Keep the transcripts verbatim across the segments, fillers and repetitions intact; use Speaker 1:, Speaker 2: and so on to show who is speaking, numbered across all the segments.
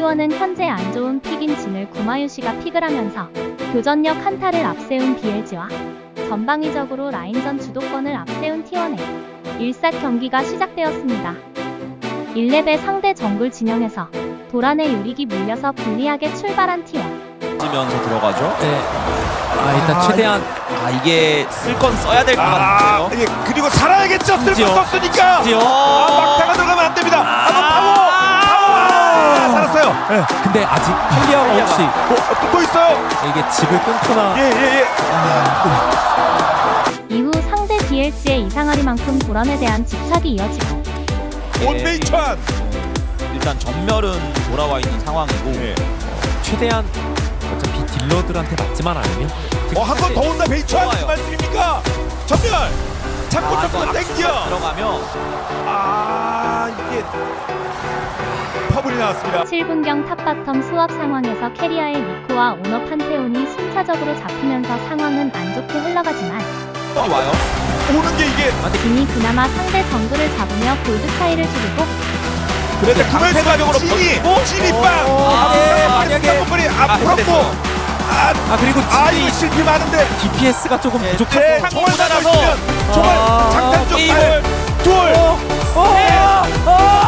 Speaker 1: 티원은 현재 안 좋은 픽인 진을 구마유시가 픽을 하면서 교전력 한타를 앞세운 비엘지와 전방위적으로 라인전 주도권을 앞세운 티원의 일삭 경기가 시작되었습니다. 일 렙의 상대 정글 진영에서 도란의 요릭이 물려서 불리하게 출발한 티원.
Speaker 2: 면서 들어가죠.
Speaker 3: 네. 아 일단
Speaker 2: 아,
Speaker 3: 최대한
Speaker 2: 아 이게 쓸 건 써야 될 것
Speaker 4: 아,
Speaker 2: 같은데요.
Speaker 4: 예, 그리고 살아야겠죠. 쓸
Speaker 3: 심지어.
Speaker 4: 거 썼으니까.
Speaker 3: 심지어.
Speaker 4: 아, 막다가 들어가면 안 됩니다. 아, 파워, 파워. 아, 살았어요. 예.
Speaker 3: 근데 아직 헬리아가 혹시
Speaker 4: 어, 또, 또 있어요.
Speaker 3: 이게 집을 끊거나
Speaker 4: 예, 예, 예.
Speaker 1: 이후 상대 비엘지의 이상하리만큼 도란에 대한 집착이 이어지고
Speaker 4: 원메이천.
Speaker 2: 일단 전멸은 돌아와 있는 상황이고.
Speaker 4: 예.
Speaker 3: 최대한 어차피 딜러들한테 맞지만 않으면
Speaker 4: 어, 한 번 더 온다. 메이천.
Speaker 2: 좋아요.
Speaker 4: 무슨 말씀입니까? 전멸. 자꾸
Speaker 2: 아,
Speaker 4: 자꾸
Speaker 2: 이거
Speaker 4: 땡겨.
Speaker 2: 들어가면
Speaker 4: 아, 이게 퍼블이 나왔습니다.
Speaker 1: 칠 분경 탑바텀 수업 상황에서 캐리아의 니코와 오너 판테온이 순차적으로 잡히면서 상황은 안 좋게 흘러가지만
Speaker 2: 이 와요.
Speaker 4: 오는 게 이게
Speaker 1: 진이 그나마 상대 정글을 잡으며 골드 차이를 줄이고
Speaker 4: 그런데 구매
Speaker 2: 강패가격으로
Speaker 4: 찐이
Speaker 2: 버티고?
Speaker 4: 찐이 빵.
Speaker 3: 아, 네, 만약에-
Speaker 4: 이
Speaker 2: 아,
Speaker 4: 앞으로
Speaker 2: 됐어요.
Speaker 4: 아,
Speaker 3: 아 그리고
Speaker 4: 아
Speaker 3: 딜이
Speaker 4: 이거 실패 많은데.
Speaker 3: 디피에스가 조금
Speaker 2: 네,
Speaker 3: 부족해서
Speaker 4: 네,
Speaker 2: 상-
Speaker 4: 총알
Speaker 2: 모자라서.
Speaker 4: 달고 있으면 총알
Speaker 3: 아,
Speaker 4: 장탄 쪽
Speaker 3: 게임을-
Speaker 4: 발, 둘,
Speaker 3: 어, 어,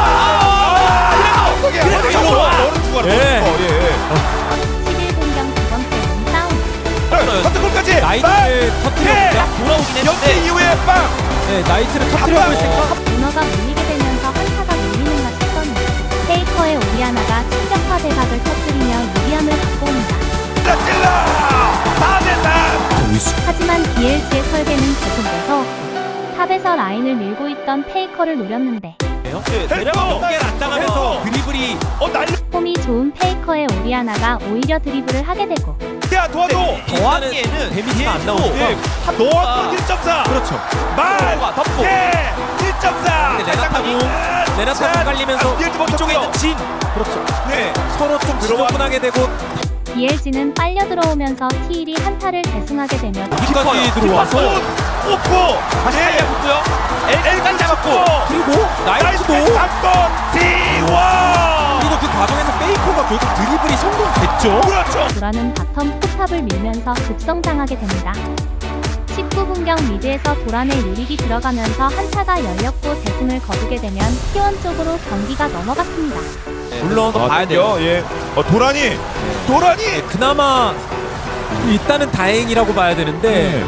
Speaker 4: 아, 거기
Speaker 2: 그래도
Speaker 4: 어디
Speaker 2: 저거 와.
Speaker 4: 너는 죽어라.
Speaker 3: 예.
Speaker 4: 어, 예.
Speaker 1: 십일 분경 두 번째 몸싸움.
Speaker 4: 컨트롤까지.
Speaker 3: 나이트를 터뜨려보자.
Speaker 2: 돌아오긴
Speaker 4: 연기
Speaker 2: 했는데
Speaker 4: 이후에 빵.
Speaker 3: 네, 나이트를 터뜨려볼 생각.
Speaker 1: 오너가 물리게 되면서 한타가 밀리는가 싶더니 페이커의 오리아나가 충격파 대각을 터뜨리며 유리함을 갖고 옵니다.
Speaker 4: 찔러 찔러. 다 됐다.
Speaker 1: 하지만 비엘지의 설계는 계속돼서 탑에서 라인을 밀고 있던 페이커를 노렸는데
Speaker 2: 대략 연계를 안 당하면서 드리블이
Speaker 4: 어 날려.
Speaker 1: 폼이 좋은 페이커의 오리아나가 오히려 드리블을 하게 되고
Speaker 4: 야 도와줘.
Speaker 2: 더하기에는
Speaker 3: 데미지가 안 나오니까.
Speaker 4: 예. 너와 일 점 사.
Speaker 3: 그렇죠.
Speaker 4: 말.
Speaker 2: 덮고가 덮고.
Speaker 4: 예. 일 점 사.
Speaker 3: 근데 레나타고 레나타고 깔리면서
Speaker 4: 이쪽에
Speaker 3: 있는 진. 그렇죠.
Speaker 4: 네.
Speaker 3: 서로 좀
Speaker 4: 들어와.
Speaker 3: 지저분하게 되고
Speaker 1: 비엘지는 빨려 들어오면서 티일이 한타를 대승하게 되며
Speaker 3: 여기까지 들어와서
Speaker 4: 오고
Speaker 2: 다시 탈리아 붙고요. 엘까지 잡았고.
Speaker 3: 그리고 나이트도
Speaker 4: 한번 디와.
Speaker 3: 그리고 그 과정에서 페이커가 결국 드리블이 성공됐죠.
Speaker 4: 그렇죠.
Speaker 1: 도라는 바텀 포탑을 밀면서 급성장하게 됩니다. 십구 분경 미드에서 도란의 유릭이 들어가면서 한타가 열렸고 대승을 거두게 되면 티원 쪽으로 경기가 넘어갔습니다.
Speaker 3: 물론
Speaker 2: 아, 봐야 돼요.
Speaker 4: 예. 어 도란이. 도란이.
Speaker 3: 그나마 일단은 다행이라고 봐야 되는데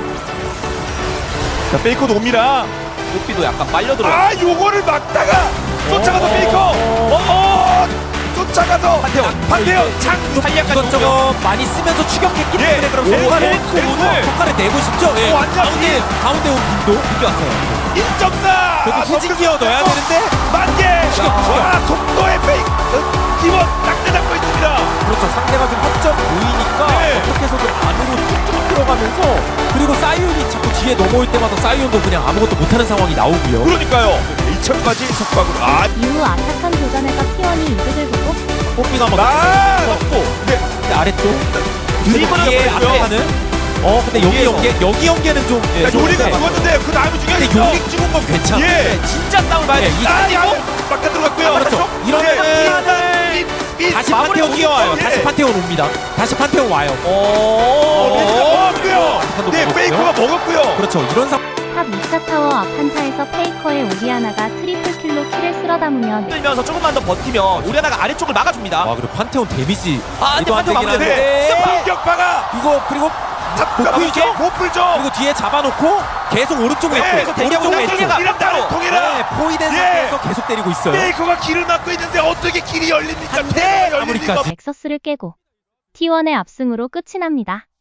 Speaker 4: 자 페이커도 옵니다.
Speaker 2: 뽀삐도 약간 빨려 들어.
Speaker 4: 아 요거를 막다가 쫓아가서
Speaker 3: 어.
Speaker 4: 페이커. 어. 쫓아가서
Speaker 2: 판테온.
Speaker 4: 판테온 창.
Speaker 2: 탈리아까지
Speaker 3: 이것저것 많이 쓰면서 추격했기
Speaker 4: 예.
Speaker 3: 때문에 그럼
Speaker 4: 오,
Speaker 3: 효과를
Speaker 4: 오, 오.
Speaker 3: 효과를 내고 싶죠. 예.
Speaker 4: 오, 완전
Speaker 3: 가운데
Speaker 4: 이-
Speaker 3: 가운데 온 빈도 이게 왔어요.
Speaker 4: 일 점 사.
Speaker 3: 그래도 후진 기어 넣어야 되는데
Speaker 4: 만개.
Speaker 3: 추격, 추격.
Speaker 4: 와 속도의 페이크. 기본 딱 잡고 있습니다.
Speaker 3: 그렇죠. 상대가 좀 허점 보이니까
Speaker 4: 네.
Speaker 3: 어떻게 해서든 안으로 툭툭 들어가면서 그리고 사이온이 자꾸 뒤에 넘어올 때마다 사이온도 그냥 아무것도 못하는 상황이 나오고요.
Speaker 4: 그러니까요. 이천까지 속박으로. 아.
Speaker 1: 이후 아타칸 도전에서 티원이 이득을 보고
Speaker 3: 뽀삐가 막
Speaker 4: 나.
Speaker 3: 떴고
Speaker 4: 네.
Speaker 3: 근데 아래쪽
Speaker 2: 드리블을
Speaker 3: 뒤에
Speaker 2: 넣고
Speaker 3: 앞에 가는 어 근데 여기
Speaker 4: 여기에서.
Speaker 3: 연계 여기 연계는 좀 예,
Speaker 4: 야, 요리가
Speaker 3: 좋은데.
Speaker 4: 죽었는데 그 다음에
Speaker 3: 근데
Speaker 4: 중요하죠.
Speaker 3: 요리 찍은 건 괜찮아.
Speaker 4: 예.
Speaker 2: 진짜 싸움을 봐야 돼.
Speaker 3: 예, 이
Speaker 4: 아, 야, 막다 들어갔고요.
Speaker 3: 그렇죠. 이러면은 다시
Speaker 4: 마무리
Speaker 3: 판테온 뛰어와요.
Speaker 4: 예.
Speaker 3: 다시 판테온 옵니다. 다시 판테온 와요.
Speaker 4: 어, 메시가 먹었고요.
Speaker 3: 판도
Speaker 4: 네,
Speaker 3: 먹었고요.
Speaker 4: 페이커가 먹었고요.
Speaker 3: 그렇죠. 이런 상황
Speaker 1: 탑 이 차 타워 앞 한타에서 페이커의 오리아나가 트리플 킬로 킬을 쓸어 담으며
Speaker 2: 들면서 조금만 더 버티면 오리아나가 아래쪽을 막아줍니다.
Speaker 3: 와 그리고 판테온 데미지
Speaker 2: 아,
Speaker 3: 말도 안
Speaker 2: 판테온
Speaker 3: 되긴
Speaker 2: 마무리.
Speaker 3: 하는데
Speaker 4: 네, 공격파가
Speaker 3: 이거 그리고
Speaker 4: 잡고
Speaker 3: 보풀죠?
Speaker 4: 보풀죠.
Speaker 3: 그리고 뒤에 잡아놓고 계속 오른쪽
Speaker 4: 네,
Speaker 3: 왼쪽
Speaker 4: 대기하고
Speaker 3: 오른쪽 왼쪽
Speaker 2: 대기하고
Speaker 4: 이런 따로 통일아.
Speaker 3: 네, 포위된
Speaker 4: 예.
Speaker 3: 상태에서 계속 때리고 있어요.
Speaker 4: 페이커가 길을 막고 있는데 어떻게 길이 열립니까?
Speaker 3: 한 대,
Speaker 4: 테러가 열릴
Speaker 3: 마무리까지.
Speaker 4: 리가 없-
Speaker 1: 넥서스를 깨고 티원의 압승으로 끝이 납니다.